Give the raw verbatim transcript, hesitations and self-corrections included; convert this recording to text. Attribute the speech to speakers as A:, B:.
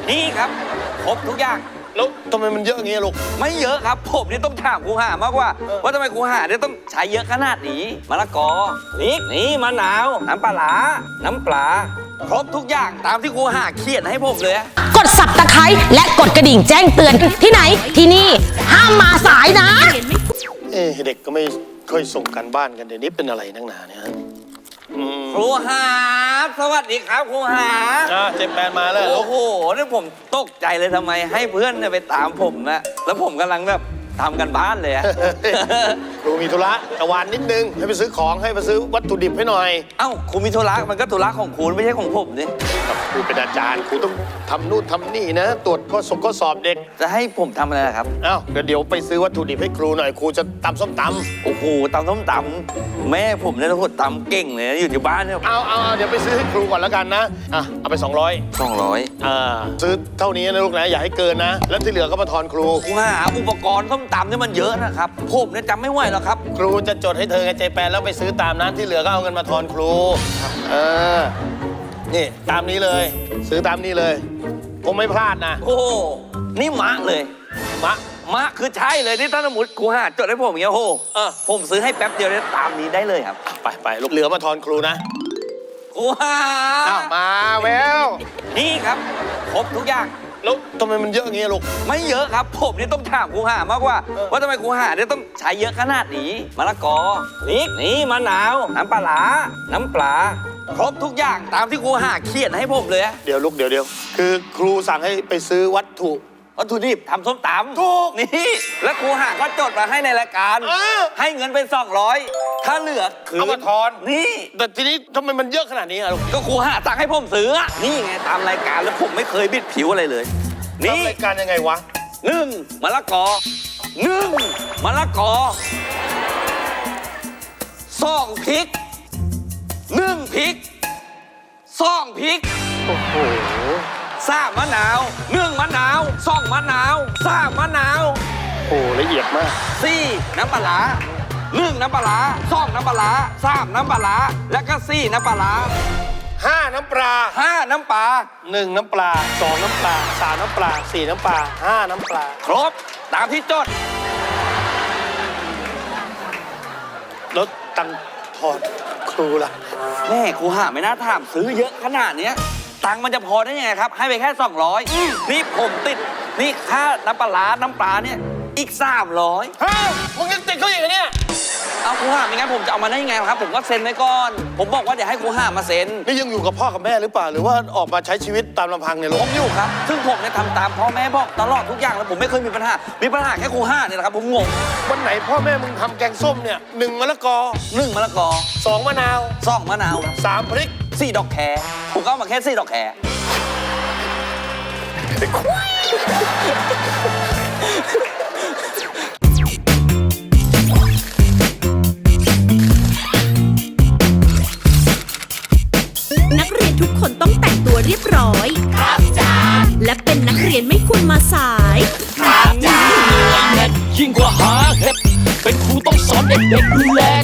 A: นี่ครับครบทุกอย่าง
B: แล้วทำไมมันเยอะอย่างงี้ลูก
A: ไม่เยอะครับผมนี่ต้องถามครูหามากกว่าว่าทำไมครูหาเนี่ยต้องใช้เยอะขนาดนี้มะละกอนี่นี่มะนาวน้ำปลาร้าน้ำปลาครบทุกอย่างตามที่ครูหาเขียนให้ผมเลย
C: กดสับตะไคร้และกดกระดิ่งแจ้งเตือนที่ไหนที่นี่ห้ามมาสายนะ
B: เอ๊ะเด็กก็ไม่ค่อยส่งกันบ้านกันเดี๋ยวนี้เป็นอะไรนักหนาเนี่ย
A: ครูหาสวัสดีครับครูหา
B: อ่าเจมแปนมาแล้ว
A: โอ้โหนี่ผมตกใจเลยทำไมให้เพื่อนเนี่ยไปตามผมนะแล้วผมกำลังแบบทำกันบ้านเลยอะ
B: ครูมีธุระตะวันนิดนึงให้ไปซื้อของให้ไปซื้อวัตถุดิบให้หน่อย
A: เอ้าครูมีธุระมันก็ธุระของครูไม่ใช่ของผมนี่
B: ครูเป็นอาจารย์ครูต้องทำนู่นทำนี่นะตรวจข้อสอบข้อสอบเด็ก
A: จะให้ผมทำอะไรครับ
B: เอ้าเดี๋ยวไปซื้อวัตถุดิบให้ครูหน่อยครูจะตำส้มตำ
A: โอ้โหตำส้มตำแม่ผมเนี่ยทุกคนตำเก่งเลยอยู่ที่บ้านเนี่ย
B: เอาเอาเดี๋ยวไปซื้อให้ครูก่อนแล้วกันนะอ่ะเอาไปสองร้อย
A: สองร้อย
B: อ่าซื้อเท่านี้นะลูกนะอย่าให้เกินนะแล้วที่เหลือก็มาทอนครู
A: ครูหาอุปกรณ์ส้มตำเนี่ยมันเยอะนะครับผมเนี่ยจำไม่ไหวหรอกครับ
B: ครูจะจดให้เธอไงเจแปนแล้วไปซื้อตามนั้นที่เหลือก็เอาเงินมาทอนครูเออนี่ตามนี้เลยซื้อตามนี้เลยคงไม่พลาดนะ
A: โอ้นี่มะเลยมะมะคือใช่เลยนี่ถ้าสมมติครูหาจดให้ผมอย่างเงี้ยโอ้เออผมซื้อให้แป๊บเดียวเนี่ยตามนี้ได้เลยครับ
B: ไปไปลูกเหลือมาทอนครูนะ
A: ครูหา
B: มาแวว
A: นี่ครับครบทุกอย่าง
B: แล้วทำไมมันเยอะอย่างงี้ลูก
A: ไม่เยอะครับผมนี่ต้องถามครูหามากกว่าว่าทำไมครูหาเนี่ยต้องใช้เยอะขนาดนี้มะละกอนี่นี่มะนาวน้ำปลาร้าน้ำปลาครบทุกอย่างตามที่ครูหาเขียนให้ผมเลย
B: เดี๋ยวลูกเดี๋ยวเดี๋ยวคือครูสั่งให้ไปซื้อวัตถุ
A: วัตถุดิบทำส้มตำ
B: ถูก
A: นี่แล้วครูหาก็จดมาให้ในรายการให้เงินเป็นสองร้อยถ้าเหลือคือ
B: เอามาทอน
A: นี่
B: แต่ทีนี้ทำไมมันเยอะขนาดนี้อะลูก
A: ก็ครูหาสั่งให้ผมซื้อนี่ไงตามรายการแล้วผมไม่เคยบิดผิวอะไรเลย
B: นี่รายการยังไงวะ
A: หนึ่งมะละกอหนึ่งมะละกอสองพริกหนึ่งพริกสองพริก
B: โอ้โห
A: สามมะนาวหนึ่งมะนาวสองมะนาวสามมะนาว
B: โอ้ละเอียดมาก
A: สี่น้ำปลาร้าหนึ่งน้ำปลาร้าสองน้ำปลาร้าสามน้ำปลาร้าแล้วก็สี่น้ำปลาร้า
B: ห้าน้ำปลา
A: ห้าน้ำปลา
B: หนึ่งน้ำปลาสองน้ำปลาสามน้ำปลาสี่น้ำปลาห้าน้ำปลา
A: ครบตามที่จด
B: แล้วตังทอนครูล่ะ
A: แม่ครูหาไม่น่าถามซื้อเยอะขนาดนี้ตังมันจะพอได้ยังไงครับให้ไปแค่สองร้อยนี่ผมติดนี่ค่าน้ำปลาน้ำปลาเนี่ยอีกสามร้อย
B: ฮะมึงยังติดเขาอีกเนี่ย
A: เอาครูหาไม่งั้นผมจะเอามาได้ยังไงครับผมก็เซ็นไว้ก่อนผมบอกว่าเดี๋ยวให้ครูหามาเซ็น
B: นี่ยังอยู่กับพ่อกับแม่หรือเปล่าหรือว่าออกมาใช้ชีวิตตามลำพังเนี่ย
A: ผมอยู่ครับซึ่งผมเนี่ยทำตามพ่อแม่บอกตลอดทุกอย่างแล้วผมไม่เคยมีปัญหามีปัญหาแค่ครูหาเนี่ยแหละครับผมงง
B: วันไหนพ่อแม่มึงทำแกงส้มเนี่ยหนึ่งมะละกอ
A: หนึ่งมะละกอ
B: สองมะนาว
A: สองมะนาว
B: สามพริก
A: สี่ดอกแครผมก็เอามาแค่สี่ดอกแคร
C: นักเรียนทุกคนต้องแต่งตัวเรียบร้อยครับจ้าและเป็นนักเรียนไม่ควรมาสาย
D: ครับจ้ายิ่งกว่าหาเห็ดเป็นครูต้องสอนเด็กๆดูแล